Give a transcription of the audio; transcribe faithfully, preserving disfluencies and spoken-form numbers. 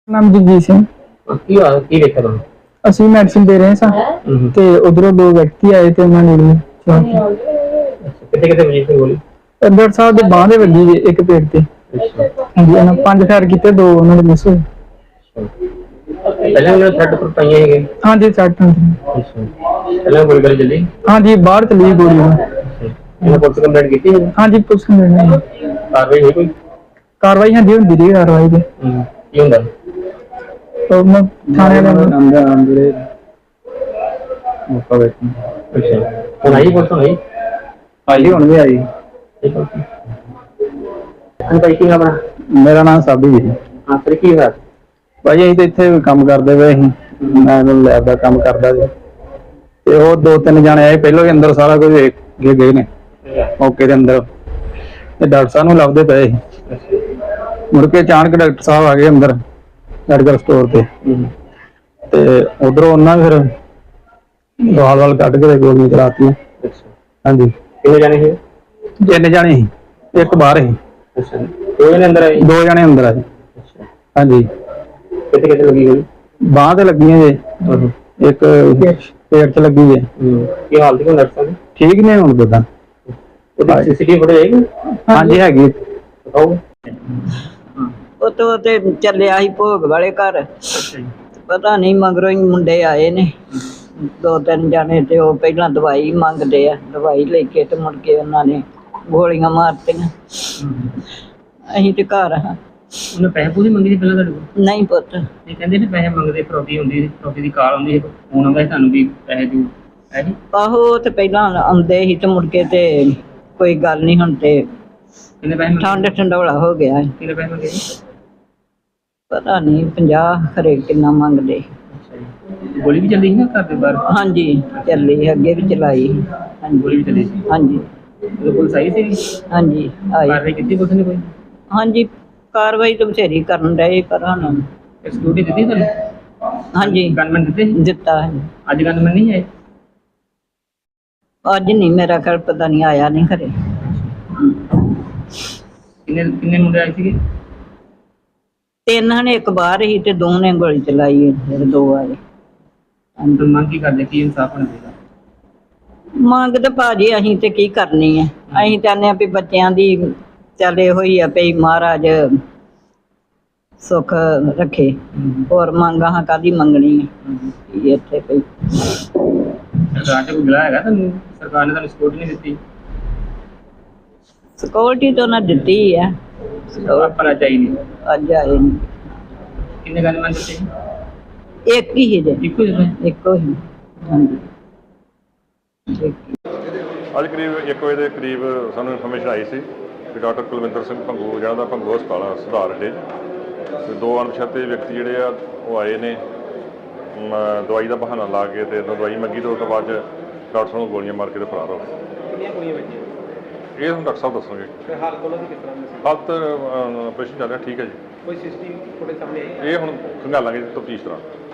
ਨਾਮ ਜਗਜੀਤ ਸਿੰਘ। ਕੀ ਹੋਇਆ ਕੀ ਵੇਖਿਆ ਤੁਹਾਨੂੰ? ਅਸੀਂ ਮੈਡੀਸਿਨ ਦੇ ਰਹੇ ਸਾਂ ਤੇ ਉਧਰੋਂ ਦੋ ਵਿਅਕਤੀ ਆਏ ਤੇ ਉਹਨਾਂ ਨੇ ਕਿੱਥੇ ਕਿੱਥੇ ਵਜੀ ਸੀ ਗੋਲੀ? ਡਾਕਟਰ ਸਾਹਿਬ ਦੇ ਬਾਂਹ ਦੇ ਵੱਜੀ ਜੇ ਇੱਕ ਪੇਟ ਤੇ। ਹਾਂਜੀ ਉਹਨਾਂ ਪੰਜ ਫਾਇਰ ਕੀਤੇ, ਦੋ ਉਹਨਾਂ ਦੇ ਮਿਸ ਹੋਏ। ਪਹਿਲਾਂ ਉਹਨਾਂ ਨੇ ਥਰਡ ਪਰ ਪਾਈਆਂ ਹੈਗੇ? ਹਾਂਜੀ ਸੱਟ ਹੁੰਦੀ। ਪਹਿਲਾਂ ਗੋਲੀ ਗਲੀ ਚੱਲੀ? ਹਾਂਜੀ ਬਾਹਰ ਚਲੀ ਗੋਲੀ। ਇਹਨਾਂ ਪੁਲਿਸ ਕੰਪਲੇਂਟ ਕੀਤੀ ਹੈ? ਹਾਂਜੀ ਪੁਲਿਸ ਨੇ। ਕਾਰਵਾਈ ਹੋਈ ਕੋਈ? ਕਾਰਵਾਈ ਹਾਂਜੀ ਹੁੰਦੀ ਰਹੀ ਕਾਰਵਾਈ ਤੇ। ਕੀ ਹੁੰਦਾ? ਮੈਂ ਥਾਣੇ ਦੇ ਅੰਦਰ ਅੰਦਰ ਮੁੱਕਾ ਬੈਠੀ। ਅੱਛਾ ਹੁਣ ਆਈ ਪੁਲਿਸ ਨਹੀਂ? ਆਈ ਹੁਣ ਵੀ ਆਈ। ਭਾਈ ਕੀ ਆਪਣਾ? ਮੇਰਾ ਨਾਮ ਸਾਬੀ ਜੀ। ਹਾਂ ਫਿਰ ਕੀ ਹੋਇਆ? ਭਾਈ ਅਸੀਂ ਤਾਂ ਇੱਥੇ ਕੰਮ ਕਰਦੇ ਪਏ ਸੀ, ਮੈਂ ਲੈਬ ਦਾ ਕੰਮ ਕਰਦਾ ਸੀ ਤੇ ਉਹ ਦੋ ਤਿੰਨ ਜਾਣੇ ਆਏ, ਪਹਿਲਾਂ ਹੀ ਅੰਦਰ ਸਾਰਾ ਕੁਝ ਵੇਖ ਕੇ ਗਏ ਨੇ ਮੌਕੇ ਦੇ ਅੰਦਰ ਤੇ ਡਾਕਟਰ ਸਾਹਿਬ ਨੂੰ ਲੱਭਦੇ ਪਏ ਸੀ। ਮੁੜ ਕੇ ਅਚਾਨਕ ਡਾਕਟਰ ਸਾਹਿਬ ਆ ਗਏ ਅੰਦਰ ਮੈਡੀਕਲ ਸਟੋਰ ਤੇ ਤੇ ਉਧਰੋਂ ਉਹਨਾਂ ਫਿਰ ਦਵਾਲ ਵਾਲ ਕੱਢ ਕੇ ਗੋਲੀਆਂ ਚਲਾਤੀਆਂ। ਹਾਂਜੀ ਕਿੰਨੇ ਜਾਣੇ ਸੀ? ਤਿੰਨ ਜਾਣੇ ਸੀ, ਇੱਕ ਬਾਹਰ ਸੀ। ਅੱਛਾ ਦੋ ਜਣੇ ਅੰਦਰ ਆਏ? ਦੋ ਜਣੇ ਅੰਦਰ ਆਏ। ਹਾਂਜੀ ਕਿੱਥੇ ਕਿੱਥੇ ਲੱਗੀ ਗੋਲੀ? ਬਾਂਹ ਤੇ ਲੱਗੀਆਂ ਜੇ, ਇੱਕ ਪੇਟ ਚ ਲੱਗੀ ਜੇ। ਕੀ ਹਾਲਤ ਹੈ ਡਾਕਟਰ ਸਾਹਿਬ? ਠੀਕ ਨੇ ਹੁਣ ਦਦਾ। ਉਹਦੀ ਸੀਸੀਟੀਵੀ ਫੁਟੇਜ ਹੈਗੀ? ਹਾਂਜੀ ਹੈਗੀ। ਦਿਖਾਓ। ਉਹ ਤੋਂ ਤੇ ਚੱਲਿਆ ਸੀ ਭੋਗ ਵਾਲੇ ਘਰ, ਪਤਾ ਨਹੀਂ ਮਗਰੋਂ ਹੀ ਮੁੰਡੇ ਆਏ ਨੇ ਦੋ ਤਿੰਨ ਜਾਣੇ ਤੇ ਉਹ ਪਹਿਲਾਂ ਦਵਾਈ ਮੰਗਦੇ ਆ, ਦਵਾਈ ਲੈ ਕੇ ਤੇ ਮੁੜ ਕੇ ਉਹਨਾਂ ਨੇ ਗੋਲੀਆਂ ਮਾਰਤੀਆਂ। ਅਸੀਂ ਤੇ ਘਰ ਹਾਂ। ਉਹਨੇ ਪੈਸੇ ਪੂਸੇ ਮੰਗੇ ਸੀ ਪਹਿਲਾਂ ਤੁਹਾਡੇ ਕੋਲ? ਨਹੀਂ ਪੁੱਤ। ਇਹ ਕਹਿੰਦੇ ਨੇ ਪੈਸੇ ਮੰਗਦੇ, ਫਰੋਡੀ ਹੁੰਦੀ ਸੀ, ਫਰੋਡੀ ਦੀ ਕਾਲ ਹੁੰਦੀ ਸੀ, ਫੋਨ ਆਉਂਦਾ ਸੀ ਤੁਹਾਨੂੰ ਵੀ ਪੈਸੇ ਦਿਓ, ਹੈ ਜੀ? ਆਹੋ ਉਹ ਤੇ ਪਹਿਲਾਂ ਆਉਂਦੇ ਸੀ ਤੇ ਮੁੜ ਕੇ ਤੇ ਕੋਈ ਗੱਲ ਨਹੀਂ, ਹੁਣ ਤੇ ਕਿੰਨੇ ਪੈਸੇ ਮੰਗੇ? ਠੰਡ ਠੰਡੋਲਾ ਹੋ ਗਿਆ। ਕਿੰਨੇ ਪੈਸੇ ਮੰਗੇ ਜੀ? ਪਤਾ ਨਹੀਂ ਪੰਜਾਹ ਖਰੇ ਕਿੰਨਾ ਮੰਗਦੇ। ਅੱਛਾ ਜੀ। ਗੋਲੀ ਵੀ ਚੱਲੀ ਸੀ ਨਾ ਘਰ ਦੇ ਬਾਹਰ? ਹਾਂਜੀ ਚੱਲੀ, ਅੱਗੇ ਵੀ ਚਲਾਈ। ਹਾਂਜੀ ਗੋਲੀ ਵੀ ਚੱਲੀ ਸੀ? ਹਾਂਜੀ ਉਦੋਂ ਪੁਲਿਸ ਆਈ ਸੀ? ਹਾਂਜੀ ਆਈ। ਕਾਰਵਾਈ ਕੀਤੀ ਪੁਲਿਸ ਨੇ ਕੋਈ? ਹਾਂਜੀ ਕਾਰਵਾਈ ਤਾਂ ਬਥੇਰੀ ਕਰਨ ਡਏ ਪਰ ਹੁਣ ਸਿਕਿਉਰਿਟੀ ਦਿੱਤੀ ਤੁਹਾਨੂੰ? ਹਾਂਜੀ ਗਨਮੈਨ ਦਿੱਤੇ? ਦਿੱਤਾ ਹੈ। ਅੱਜ ਗਨਮੈਨ ਨਹੀਂ ਆਏ? ਅੱਜ ਨਹੀਂ, ਮੇਰਾ ਖਿਆਲ ਪਤਾ ਨਹੀਂ ਆਇਆ ਨਹੀਂ ਘਰੇ। ਕਿੰਨੇ ਕਿੰਨੇ ਮੁੰਡੇ ਆਏ ਸੀਗੇ? ਤਿੰਨ ਨੇ, ਇੱਕ ਬਾਹਰ ਹੀ ਤੇ ਦੋ ਨੇ ਗੋਲੀ ਚਲਾਈ, ਜਿਹੜੇ ਦੋ ਆਏ। ਅੰਦਰ ਮੰਗ ਕੀ ਕਰਦੇ, ਕੀ ਇਨਸਾਫ ਹੋਣਾ ਚਾਹੀਦਾ? ਮੰਗ ਤੇ ਭਾਜੀ ਅਸੀਂ ਤੇ ਕੀ ਕਰਨੀ ਹੈ, ਅਸੀਂ ਚਾਹੁੰਦੇ ਹਾਂ ਵੀ ਬੱਚਿਆਂ ਦੀ ਚੱਲ ਇਹੋ ਹੀ ਆ ਵੀ ਮਹਾਰਾਜ ਸੁੱਖ ਰੱਖੇ, ਹੋਰ ਮੰਗਾਂ ਕਾਹਦੀ ਮੰਗਣੀ ਹੈ ਇੱਥੇ ਪਈ। ਸਰਕਾਰ ਨੇ ਕੋਈ ਮਿਲਾ ਹੈਗਾ ਤੁਹਾਨੂੰ? ਸਰਕਾਰ ਨੇ ਤੁਹਾਨੂੰ ਸਪੋਰਟ ਨਹੀਂ ਦਿੱਤੀ? ਸਿਕਿਉਰਿਟੀ ਤਾਂ ਉਹਨਾਂ ਦਿੱਤੀ ਹੈ, ਆਪਣਾ ਚਾਹੀਦੀ। ਅੱਜ ਆਏ ਨਹੀਂ। ਕਿੰਨੇ ਗਨਮੈਨ ਦਿੱਤੇ? ਇੱਕ ਹੀ ਜੇ, ਇੱਕੋ ਹੀ ਦਿੱਤੇ? ਇੱਕੋ ਹੀ। ਹਾਂਜੀ ਅੱਜ ਕਰੀਬ ਇੱਕ ਵਜੇ ਦੇ ਕਰੀਬ ਸਾਨੂੰ ਇਨਫੋਰਮੇਸ਼ਨ ਆਈ ਸੀ ਕਿ ਡਾਕਟਰ ਕੁਲਵਿੰਦਰ ਸਿੰਘ ਭੰਗੂ ਜਿਹਨਾਂ ਦਾ ਭੰਗੂ ਹਸਪਤਾਲ ਆ ਸੁਧਾਰ ਅੱਡੇ ਤੇ ਦੋ ਅਣਪਛਾਤੇ ਵਿਅਕਤੀ ਜਿਹੜੇ ਆ ਉਹ ਆਏ ਨੇ ਦਵਾਈ ਦਾ ਬਹਾਨਾ ਲਾ ਕੇ ਤੇ ਦਵਾਈ ਮੰਗੀ ਤੇ ਉਸ ਤੋਂ ਬਾਅਦ ਡਾਕਟਰ ਸਾਹਿਬ ਨੂੰ ਗੋਲੀਆਂ ਮਾਰ ਕੇ ਤੇ ਫਰਾਰ ਹੋ ਗਏ। ਕਿੰਨੀਆਂ ਗੋਲੀਆਂ ਵੱਜੀਆਂ? ਇਹ ਹੁਣ ਡਾਕਟਰ ਸਾਹਿਬ ਦੱਸਣਗੇ। ਹਾਲਤ ਉਹਨਾਂ ਦੀ ਕਿਸ ਤਰ੍ਹਾਂ ਦੀ ਸੀ? ਹਾਲਤ ਆਪਰੇਸ਼ਨ ਚੱਲ ਰਿਹਾ, ਠੀਕ ਹੈ ਜੀ। ਕੋਈ ਸੀਸੀਟੀਵੀ ਫੁਟੇਜ ਸਾਹਮਣੇ ਆਈ? ਇਹ ਹੁਣ ਖੰਗਾਲਾਂਗੇ ਤਫਤੀਸ਼ ਦੌਰਾਨ।